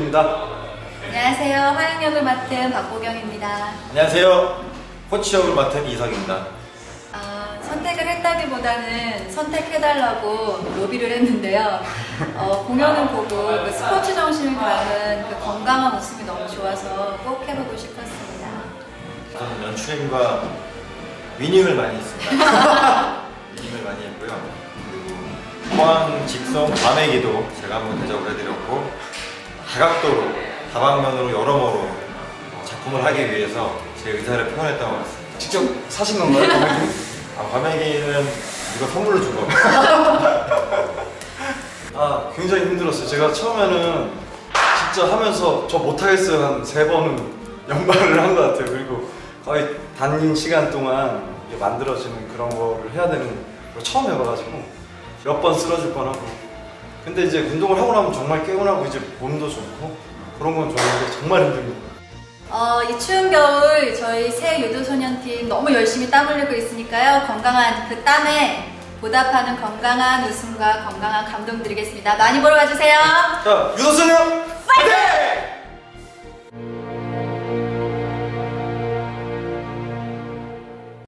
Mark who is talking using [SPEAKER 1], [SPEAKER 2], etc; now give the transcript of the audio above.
[SPEAKER 1] 유도입니다.
[SPEAKER 2] 안녕하세요. 화양역을 맡은 박보경입니다.
[SPEAKER 3] 안녕하세요. 코치 역을 맡은 이석입니다.
[SPEAKER 2] 선택을 했다기보다는 선택해달라고 로비를 했는데요. 공연을 보고 그 스포츠 정신을 담은 그 건강한 웃음이 너무 좋아서 꼭 해보고 싶었습니다.
[SPEAKER 3] 저는 연출님과 위닝을 많이 했습니다. 위닝을 많이 했고요. 그리고 포항 직송 과메기도 제가 한번 대접을 해드렸고, 다각도로 다방면으로 여러모로 작품을 하기 위해서 제 의사를 표현했다고 했습니다.
[SPEAKER 1] 직접 사신 건가요? 과메기?
[SPEAKER 3] 과메기는 이거 선물로 준 겁니다.
[SPEAKER 1] 굉장히 힘들었어요. 제가 처음에는 진짜 하면서 저 못하겠어요 한 3번은 연발을 한 것 같아요. 그리고 거의 단긴 시간 동안 만들어지는 그런 거를 해야 되는 걸 처음 해봐가지고 몇 번 쓰러질 뻔하고, 근데 이제 운동을 하고 나면 정말 개운하고 이제 몸도 좋고 그런 건 좋은데 정말 힘듭니다.
[SPEAKER 2] 이 추운 겨울 저희 새 유도소년팀 너무 열심히 땀 흘리고 있으니까요. 건강한 그 땀에 보답하는 건강한 웃음과 건강한 감동 드리겠습니다. 많이 보러 와주세요.
[SPEAKER 1] 자, 유도소년!